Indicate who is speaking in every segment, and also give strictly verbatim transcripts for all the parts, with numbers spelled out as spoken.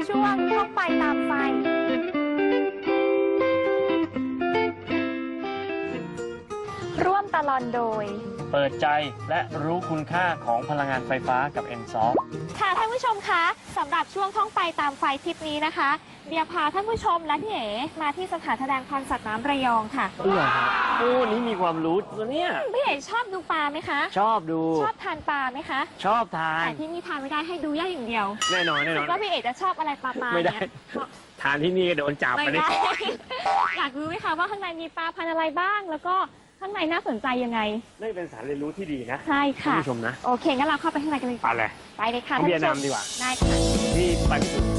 Speaker 1: ช่วงท่องไปตามไฟร่วมตลอดโดย
Speaker 2: เปิดใจและรู้คุณค่าของพลังงานไฟฟ้ากับ เอ็น ซอฟ
Speaker 1: ค่ะท่านผู้ชมคะสำหรับช่วงท่องไปตามไฟทริปนี้นะคะเดียพาท่านผู้ชมและพี่เอ๋มาที่สถานแสดงพันธุ์สัตว์น้ำระยองค่ะ
Speaker 2: เอื้อครับโอ้นี่มีความรู้นะเนี่ย
Speaker 1: พี่เอ๋ชอบดูปลาไหมคะ
Speaker 2: ชอบดู
Speaker 1: ชอบทานปลาไหมคะ
Speaker 2: ชอบทาน
Speaker 1: แต่ที่นี่ทานไม่ได้ให้ดูย่าอย่างเดียว
Speaker 2: แน่นอนแน่นอน
Speaker 1: คิดว่าพี่เอ๋จะชอบอะไรปลาปลา
Speaker 2: ไม่ได้
Speaker 1: เนี่ย
Speaker 2: ทานที่นี่ก็โดนจับ
Speaker 1: ไม่
Speaker 2: ไปดิ
Speaker 1: ได้ อยากรู้ไหมคะว่าข้างในมีปลาพันธุ์อะไรบ้าง แล้วก็ข้างในน่าสนใจยังไง
Speaker 2: นี่เป็นสารเรียนรู้ที่ดีนะ
Speaker 1: ใช่
Speaker 2: ท่าน
Speaker 1: ค่ะ
Speaker 2: ผู้ชมนะ
Speaker 1: โอเคงั้นเราเข้าไปข้างในกันเลย
Speaker 2: ไปเลย
Speaker 1: ไปเลยค่ะ
Speaker 2: เอาเบียร์
Speaker 1: ท่านผู้ชม
Speaker 2: นำดีกว่า
Speaker 1: ได้ค่ะ
Speaker 2: ที่ไปที่สุด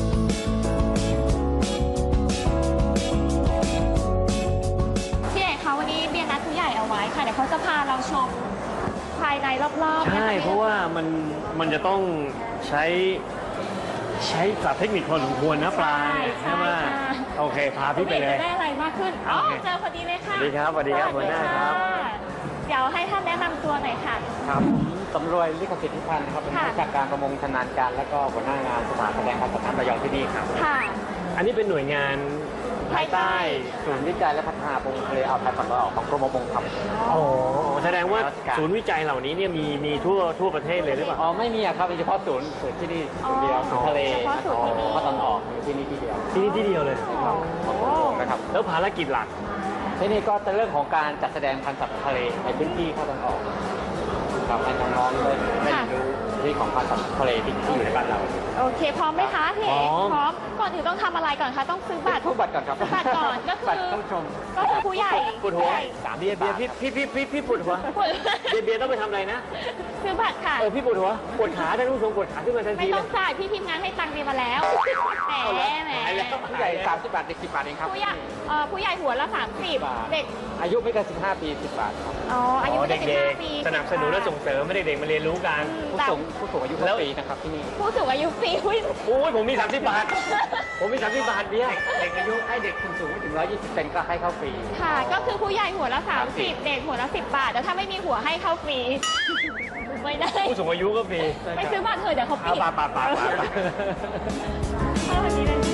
Speaker 1: พี่เอกคะวันนี้เบียร์นัดผู้ใหญ่เอาไว้ค่ะเดี๋ยวเขาจะพาเราชมภายในรอบๆ
Speaker 2: ใช่
Speaker 1: นค
Speaker 2: เพราะว่ามันมันจะต้องใช้ใช้ศัพท์เทคนิคพอสมควรนะปลาเนี่ย
Speaker 1: ใช่
Speaker 2: ใช่ไหม
Speaker 1: ใช่
Speaker 2: โอเคพาพี่ไปเลย
Speaker 1: จะได้อะไรมากขึ้นอ๋อ
Speaker 2: โอเค
Speaker 1: เจอพอดีเลยค่ะ
Speaker 2: สวัสดีครับสวัสดีครับหัวหน้าครับ
Speaker 1: ะเดี๋ยวให้ท่านแนะนำตัวหน่อยค่ะ
Speaker 3: ครับผมสำรวยลิขสิทธิ์พิพันธ์นะครับเป็น
Speaker 1: ค่ะ
Speaker 3: ผู้จัดการประมงชำนาญการและก็หัวหน้างานสถานแสดงพันธุ์สัตว์น้ำระยองที่นี่ครับ
Speaker 1: ค่ะ
Speaker 2: อันนี้เป็นหน่วยงานภายใต้
Speaker 3: ศูนย์วิจัยและพัฒนาประมงทะเลอ่าวไทยฝั่งตะวันออกของกรมประมงครับ
Speaker 2: โอ้แสดงว่า
Speaker 3: ราชการ
Speaker 2: ศูนย์วิจัยเหล่านี้เนี่ยมีมีทั่วทั่วประเทศเลยหรือเปล่า
Speaker 3: อ๋อไม่มีอะครับมีเฉพาะศูนย์ศูนย์ที่นี่ศูนย์เดียวศูนย์ทะเล
Speaker 1: เฉพาะศูนย์ที่นี่
Speaker 3: ภาคตะวันออกอยู่ที่นี่ที่เดียว
Speaker 2: ที่นี่ที่เดียวเลย
Speaker 1: โอ้โห
Speaker 3: นะครับ
Speaker 2: แล้วภารกิจหลัก
Speaker 3: ที่นี่ก็จะเรื่องของการจัดแสดงพันธุ์สัตว์ทะเลในพื้นที่ภาคตะวันออกครับให้น้องๆได้ได้เรียนรู้ที่ของพันธุ์สัตว์ทะเลที่ที่อยู่ในบ้านเรา
Speaker 1: โอเคพร้อมไหมคะพี่เอก
Speaker 2: พร้อม
Speaker 1: พร้อมก่อนอื่นต้องทำอะไรก่อนคะต้องซื้อบัตร
Speaker 3: ทุกบัตรก่อนครับ
Speaker 1: บัตรก่อนก็คือ
Speaker 3: บัตรต้องชม
Speaker 1: ก็คือผู้ใหญ่
Speaker 2: ปวดหัว
Speaker 1: ผู้ใญ่
Speaker 3: สาม
Speaker 2: เบียร์เบียร์พี่พี่พี่พี่พี่ปวดหัว
Speaker 1: ปวด
Speaker 2: เบียร์เบียร์ต้องไปทำอะไรนะ
Speaker 1: ซื้อบัตรค่ะ
Speaker 2: เออพี่ปวดหัวปวดขาท่านผู้ชมปวดขาขึ้นมาทัน
Speaker 1: ไม่
Speaker 2: ทีเล
Speaker 1: ต้อย งจ่ายพี่ทีมงานให้ตังค์เบียร์มาแล้วแหม
Speaker 2: เอาเหรอ
Speaker 1: แหม
Speaker 2: หายแล้ว
Speaker 3: ผู้ใหญ่สามสิบบาทเด็กสิบบาทเองครับ
Speaker 1: ผู้ใหญ่เอ่อผู้ใหญ่หัวละสามสิบเด็ก
Speaker 3: อายุไม่เกินสิบห้าปีสิบบาทครับ
Speaker 1: อ๋ออายุไม่
Speaker 2: เด็
Speaker 1: เกินสิบ
Speaker 2: ก
Speaker 1: ห้าปี
Speaker 2: ๆสนับสนุนและส่งเสริมไม่เด็กๆมาเรียนรู้กัน
Speaker 3: ผู้สูงผู้สูงอายุ
Speaker 2: แล้ว
Speaker 3: ฟรีนะครับที่นี่
Speaker 1: ผู้สูงอายุฟรีอุ้ย
Speaker 2: โอ้ยผมมีสามสิบบาท ผมมีสามสิบบาทเบียร์
Speaker 3: เด็กอายุให้เด็กสูงไม่ถึงร้อยยี่สิบเซนก็ให้เข้าฟรี
Speaker 1: ค่ะ ก็คือผู้ใหญ่หัวละสามสิบเด็กหัวละสิบบาทแต่ถ้าไม่มีหัวให้เข้าฟรีไม่ได้
Speaker 2: ผู้สูงอายุก็มี
Speaker 1: ไปซื้อบัตรเถอะเดี๋ยวเขาปิ
Speaker 2: เอา
Speaker 1: ด
Speaker 2: ปาปาปาปา
Speaker 1: สวัสดีเลย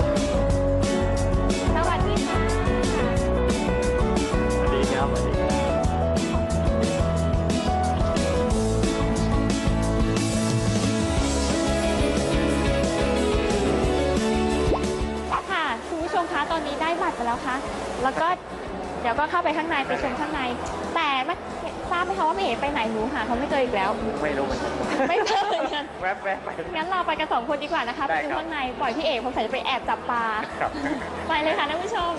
Speaker 1: สวัสดีค่ะ
Speaker 2: สวัสดีครับสวัสดีครับ
Speaker 1: ค่ะคุณผู้ชมคะตอนนี้ได้บัตรไปแล้วค่ะ แล้วก็เดี๋ยวก็เข้าไปข้างในไปชมข้างใน แต่ไม่ทราบไหมคะว่าพี่เอ๋ไปไหนหนูหาเขาไม่เจออีกแล้ว
Speaker 3: ไม่รู้เหมือนกัน
Speaker 1: ไม่เจอเหมือนกัน
Speaker 3: แวบแวบไป
Speaker 1: งั้นเราไปกันสองคนดีกว่านะคะไป
Speaker 3: ได้
Speaker 1: ดู
Speaker 3: ครับ
Speaker 1: ข้างในปล่อยพี่เอ๋ผมใส่จะไปแอบจับปลา
Speaker 3: ครับ
Speaker 1: ไปเลยค่ะท่านผู้ชม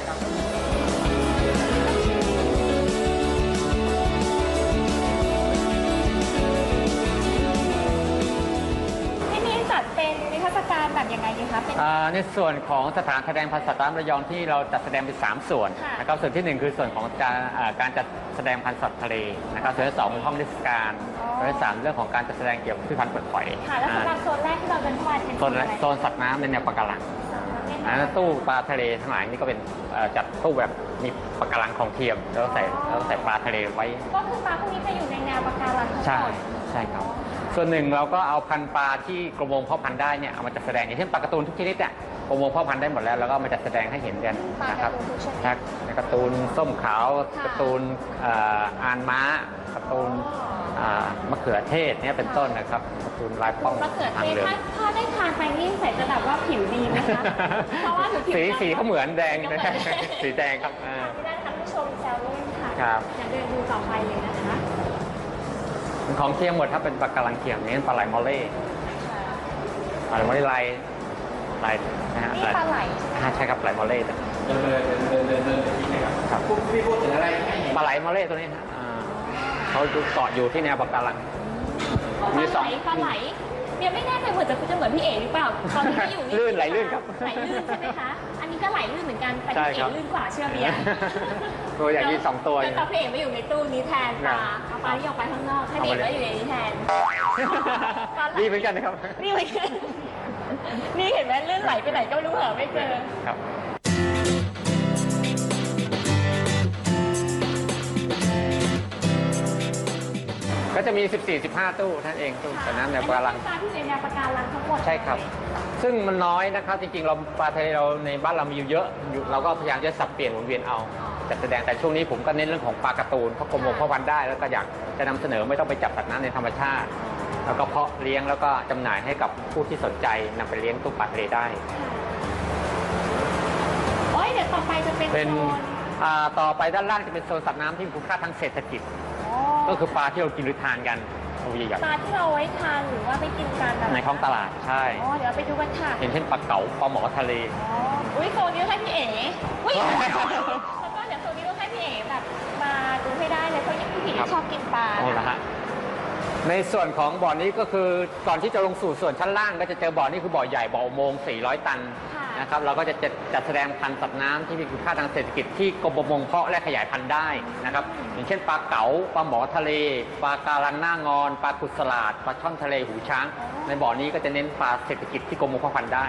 Speaker 1: ที่นี่จัดเป็นนิทรรศการแบบยังไงดีคะเป็น
Speaker 3: อ่าในส่วนของสถานแสดงพันธุ์สัตว์น้ำระยองที่เราจัดแสดงเป็นสามส่วน
Speaker 1: ค่ะ
Speaker 3: นะครับส่วนที่หนึ่งคือส่วนของการอ่าการจัดแสดงพันธุ์สัตว์ทะเลนะครับส่วนที่สองเป็นห้องนิทรรศการ
Speaker 1: อ๋อ
Speaker 3: ส่วนที่สามเรื่องของการจัดแสดงเกี่ยวกับพืชพันธุ์เปลือกหอย
Speaker 1: ค่ะแล้วสำหรับโซนแรกที่เราเดินเข้ามาเป็น
Speaker 3: โซนโซนสัตว์น้ำในแนวปะการังอันนั้นตู้ปลาทะเลทั้งหลายนี่ก็เป็นเอ่อจัดตู้แบบมีปะการังของเทียมแล้วใส่แล้วใส่ปลาทะเลไว้
Speaker 1: ก็คือปลาพวกนี้จะอยู่ในแนวปะการังทั้ง
Speaker 3: ใช่
Speaker 1: หมด
Speaker 3: ใช่ครับ ส่วนหนึ่งเราก็เอาพันธุ์ปลาที่กรมประมงเพาะพันธุ์ได้เนี่ยเอามาจัดแสดงอย่างเช่นปลาการ์ตูนทุกชนิดเนี่ยกรมประมงเพาะพันธุ์ได้หมดแล้วแล้วก็เอามาจัดแสดงให้เห็นกันนะครับครับการ์ตูนส้มขาวการ์ตูนเอ่ออานม้าการ์ตูนอ่ามะเขือเทศเนี่ยเป็นต้นนะครับการ์ตูนลายป้อง
Speaker 1: มะเขือ
Speaker 3: ทา
Speaker 1: เท
Speaker 3: ง
Speaker 1: ศ
Speaker 3: เหลือง
Speaker 1: ถ้าถ้าได้ทานไปนี่ใส่จะแบบว่าผิวดีไหมคะ เพราะว่าผิวผิว
Speaker 3: สีสีเขาเหมือนแดง
Speaker 1: ก็
Speaker 3: นะ
Speaker 1: เหมือน
Speaker 3: สีแดงครับอ่า
Speaker 1: ที่ได้ท่านผู้ชมแซวเล่นค่ะ
Speaker 3: ครับ
Speaker 1: อย่าเดินดูต่อไปเลยนะคะ
Speaker 3: ของเทียมหมดถ้าเป็นปลาการังเทียมนี่ปลาไหลมอลเล่ปลาไหลมอลเล่ลายลายนะฮะ
Speaker 1: นี่ปลาไหล
Speaker 3: อ่าใช่ครับปลาไหลมอลเล่
Speaker 4: เดินเดินเดินเดินเดินที่ไหนครับ
Speaker 3: ครับ
Speaker 4: พูดพี่พูดถึงอะไร
Speaker 3: ปลาไหลมอลเล่ตัวนี้ฮะอ่าเขาเกาะอยู่ที่แนวปะการัง
Speaker 1: ปลา
Speaker 3: มี
Speaker 1: ไห
Speaker 3: ส
Speaker 1: ล
Speaker 3: อง
Speaker 1: ปลาไหลเนี่ยไม่แน่ใจเหมือนจะจะเหมือนพี่เอ๋หรือเปล่าตอนนี้ที่อยู่
Speaker 3: ลื่นไหลลื่นครับ
Speaker 1: ไหลลื่นใช่ไหมคะอันนี้ก็ไหลลื่นเหมือนกันแต่
Speaker 3: ใช่
Speaker 1: พี่
Speaker 3: ครั
Speaker 1: เอ๋
Speaker 3: บ
Speaker 1: ลื่นกว่าเชื่อเบียร์
Speaker 3: ตัวใหญ่มีสองตัวอ
Speaker 1: แล้
Speaker 3: ยู่
Speaker 1: วพี่เอ๋มาอยู่ในตู้นี้แทนปลาเอาปลาที่ออกไปข้างนอกให้พี่เอ๋มาอยู่ในนี้แทน
Speaker 3: ดีเหมือนกันนะครับ
Speaker 1: นี่เหมือนกันนี่เห็นไหมลื่นไหลไปไหนก็ไม่รู้เหรอไม่เจอ
Speaker 3: ครับ ก็จะมี สิบสี่ สิบห้า ตู้ท่านเองตู้สระน้ำแนวปะการัง
Speaker 1: ปลาที่อยู่ในแนวปะการังทั้งหมด
Speaker 3: ใช่ครับ ซึ่งมันน้อยนะครับ จริงๆ เราปลาทะเลเราในบ้านเรามีอยู่เยอะอยู่เราก็พยายามจะสับเปลี่ยนหมุนเวียนเอาจัดแสดงแต่ช่วงนี้ผมก็เน้นเรื่องของปลาการ์ตูนเพราะกรมหลวงพ่อพันธุ์ได้แล้วก็อยากจะนำเสนอไม่ต้องไปจับสัตว์น้ำในธรรมชาติ แล้วก็เพาะเลี้ยงแล้วก็จำหน่ายให้กับผู้ที่สนใจนำไปเลี้ยงตู้ปลาทะเลได้
Speaker 1: โอ้ยเดี๋ยวต่อไปจะเป็น
Speaker 3: เป็น
Speaker 1: โซน
Speaker 3: อ่าต่อไปด้านล่างจะเป็นโซนสัตว์น้ำที่มีคุณค่าทางเศรษฐกิจ
Speaker 1: อ๋อ
Speaker 3: ก็คือปลาที่เรากินหรือทานกันตัวใหญ่
Speaker 1: ปลาที่เราไว้ทานหรือว่าไปกินกัน
Speaker 3: ๆในท้องตลาดใช่
Speaker 1: อ๋อเดี๋ยวเราไปดูกันค่ะ
Speaker 3: อย่างเช่นปลาเก๋าปลาหมอทะเล
Speaker 1: อ๋ออุ้ยโซนนี้ให้พี่เอ๋อุ้ยแล้วก็เดี๋ยวโซนนี้ต้องให้พี่เอ๋แบบมาดูให้ได้เลยเพราะพี่เอ๋
Speaker 3: ครับ
Speaker 1: ชอบกินปลา
Speaker 3: โอ้ละฮะในส่วนของบ่อนี้ก็คือก่อนที่จะลงสู่ส่วนชั้นล่างก็จะเจอบ่อนี้คือบ่อใหญ่บ่ออุโมงค์สี่ร้อย ตัน
Speaker 1: ค่ะ
Speaker 3: นะครับเราก็จะจัดจัดแสดงพันธุ์สัตว์น้ำที่มีคุณค่าทางเศรษฐกิจที่กรมประมงเพาะและขยายพันธุ์ได้นะครับอย่างเช่นปลาเก๋าปลาหมอทะเลปลาการังหน้างอนปลากุศลาดปลาช่อนทะเลหูช้าง ในบ่อนี้ก็จะเน้นปลาเศรษฐกิจที่กรมประมงเพาะพันธุ์ได้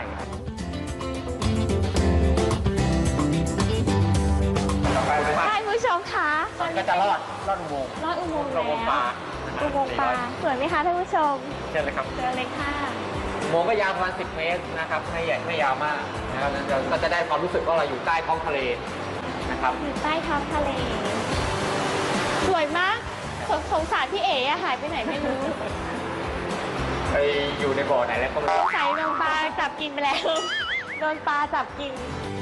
Speaker 3: ต่อไปเลยครับ
Speaker 1: ใช่คุณผู้ชมคะตอน
Speaker 3: ก็
Speaker 1: นี้
Speaker 3: จะรอดรอดอุโมงค์
Speaker 1: ลอดอุโมงค์
Speaker 3: อุ
Speaker 1: แล้ว
Speaker 3: โมงค์ปลา
Speaker 1: อุโมงค์ปลาสวยไหมคะท่านผู้ชม
Speaker 3: เชิญเลยครับ
Speaker 1: เจอเลยค่ะ
Speaker 3: อุโมงค์ก็ยาวประมาณสิบเมตรนะครับไม่ใหญ่ไม่ยาวมากนะครับเราก็จะได้ความรู้สึกว่าเราอยู่ใต้ท้องทะเลนะครับ
Speaker 1: อยู่ใต้ท้องทะเล สวยมากสงสงสารพี่เอ๋อะหายไปไหนไม่รู้
Speaker 3: ไปอยู่ในบ่อไหนแล้วก็ไม่รู้
Speaker 1: ใส่โดนปลาจับกินไปแล้ว โดนปลาจับกิน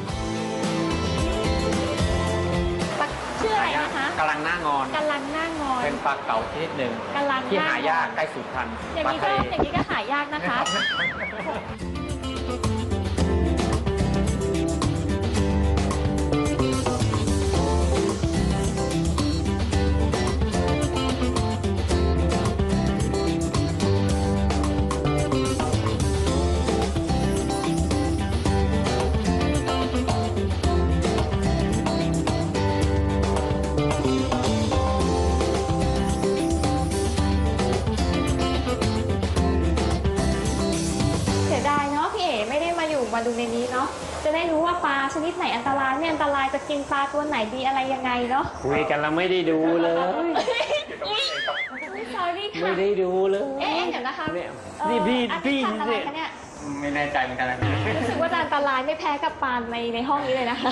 Speaker 1: ปลาชื่ออะไรนะคะ
Speaker 3: กำลังหน้างอน
Speaker 1: กำลังหน้างอน
Speaker 3: เป็นปลาเก๋าชนิดหนึ่ง
Speaker 1: กำลัง
Speaker 3: ที่
Speaker 1: หน้างอน
Speaker 3: หายากใกล้สูญพันธุ์
Speaker 1: อย่าง
Speaker 3: ปลา
Speaker 1: นี้
Speaker 3: ทะ
Speaker 1: ก็
Speaker 3: เล
Speaker 1: อย่างนี้ก็หายากนะคะ เสียดายเนาะพี่เอ๋ไม่ได้มาอยู่มาดูในนี้เนาะจะได้รู้ว่าปลาชนิดไหนอันตรายไม่อันตรายจะกินปลาตัวไหนดีอะไรยังไงเนาะ
Speaker 2: คุยกันแล้วไม่ได้ดูเลย
Speaker 1: อุ้ย sorry ค่ะ
Speaker 2: ไม่ได้ดูเลย
Speaker 1: เอ๊ะเดี๋ยวนะคะ
Speaker 2: เนี่ย
Speaker 1: เอ่อ
Speaker 2: นี่พี่
Speaker 1: อัน
Speaker 2: พี่
Speaker 1: นี้พันธุ์อะไร
Speaker 2: เนี่ย
Speaker 1: คะเนี่ย
Speaker 3: ไม่แน่ใจเหมือนกันนะ
Speaker 1: รู้สึกว่าจะอันตรายไม่แพ้กับปลาในในห้องนี้เลยนะคะ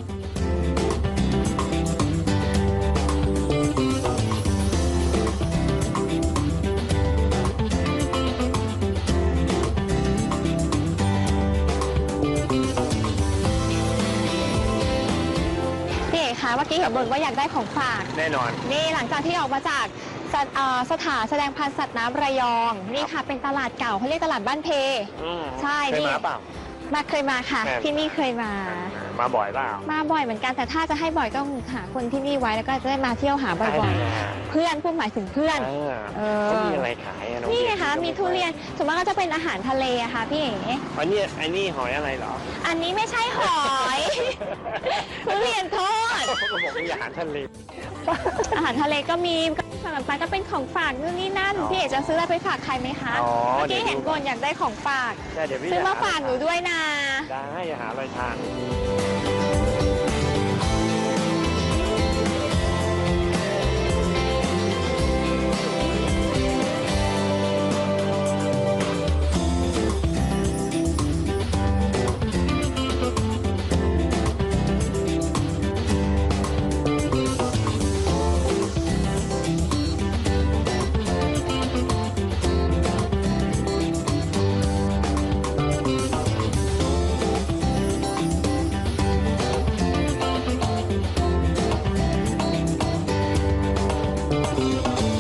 Speaker 1: พี่เอกคะเมื่อกี้เห็นบ่นว่าอยากได้ของฝาก
Speaker 2: แน่นอน
Speaker 1: นี่หลังจากที่ออกมาจากสถเอ่อสถานแสดงพันธุ์สัตว์น้ำระยอง นี่ค่ะเป็นตลาดเก่าเขาเรียกตลาดบ้านเพ ใช่
Speaker 2: เคย
Speaker 1: นี่
Speaker 2: มาเปล่า
Speaker 1: มาเคยมาค่ะ
Speaker 2: แม่
Speaker 1: ที่นี่เคยมา
Speaker 2: มาบ่อยเปล่า
Speaker 1: มาบ่อยเหมือนกันแต่ถ้าจะให้บ่อยต้องหาคนที่นี่ไว้แล้วก็จะได้มาเที่ยวหาบ่อยๆ เพื่อนพูดหมายถึงเพื่อน
Speaker 2: เออ
Speaker 1: เออ
Speaker 2: เขามีอะไรขายอะอง
Speaker 1: นี่ไง
Speaker 2: เบียร์
Speaker 1: คะมีทุเรียนส่วนมากก็จะเป็นอาหารทะเลอะค่ะพี่เอ๋
Speaker 2: อันนี้อันนี้หอยอะไรเหรอ
Speaker 1: อันนี้ไม่ใช่หอย ทุเรียนทอด
Speaker 2: เขาก็บอกมีอาหารทะเล
Speaker 1: อาหารทะเลก็มีสำหรับไปก็เป็นของฝากนู่นนี่นั่น
Speaker 2: อ๋อ
Speaker 1: พี่เอ๋จะซื้ออะไรไปฝากใครไหมคะ
Speaker 2: อ๋อ
Speaker 1: เมื่อ
Speaker 2: เดี๋
Speaker 1: กี้
Speaker 2: ยว
Speaker 1: เห็น
Speaker 2: ดู
Speaker 1: บนอยากได้ของฝาก
Speaker 2: ใช่เดี๋ยวพี่
Speaker 1: ซื้อมา
Speaker 2: จะ
Speaker 1: ฝากหนูด้วยนะ
Speaker 2: ได้จะหาอะไรทาน
Speaker 1: พ